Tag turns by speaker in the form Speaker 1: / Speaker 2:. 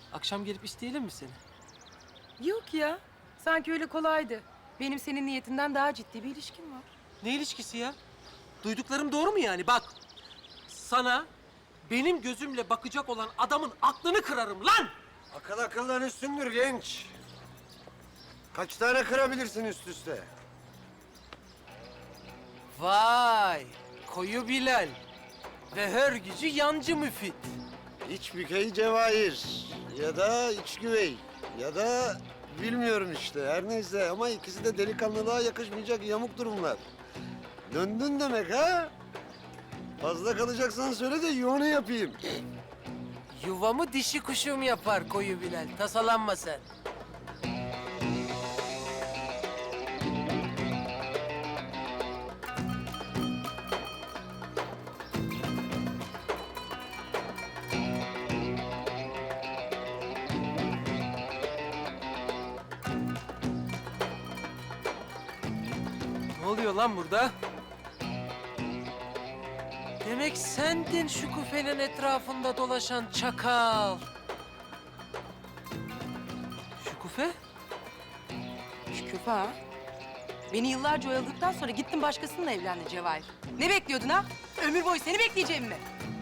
Speaker 1: Akşam gelip isteyelim mi seni?
Speaker 2: Yok ya. Sanki öyle kolaydı. Benim senin niyetinden daha ciddi bir ilişkim var.
Speaker 1: Ne ilişkisi ya? Duyduklarım doğru mu yani? Bak, sana benim gözümle bakacak olan adamın aklını kırarım lan!
Speaker 3: Akıl akıldan üstündür genç. Kaç tane kırabilirsin üst üste?
Speaker 1: Vay, koyu Bilal ve hör gücü yancı Müfit.
Speaker 3: İç bükey cevahir ya da iç güvey ya da bilmiyorum işte her neyse ama ikisi de delikanlılığa yakışmayacak yamuk durumlar. Döndün demek ha? Fazla kalacaksan söyle de yuvanı yapayım.
Speaker 1: Yuvamı dişi kuşum yapar koyu Bilal, tasalanma sen. Ne oluyor lan burada? Demek sendin şu küfenin etrafında dolaşan çakal. Şu küfe?
Speaker 2: Şüküfe ha. Beni yıllarca oyaladıktan sonra gittin başkasıyla evlendin Cevahir. Ne bekliyordun ha? Ömür boyu seni bekleyeceğim mi?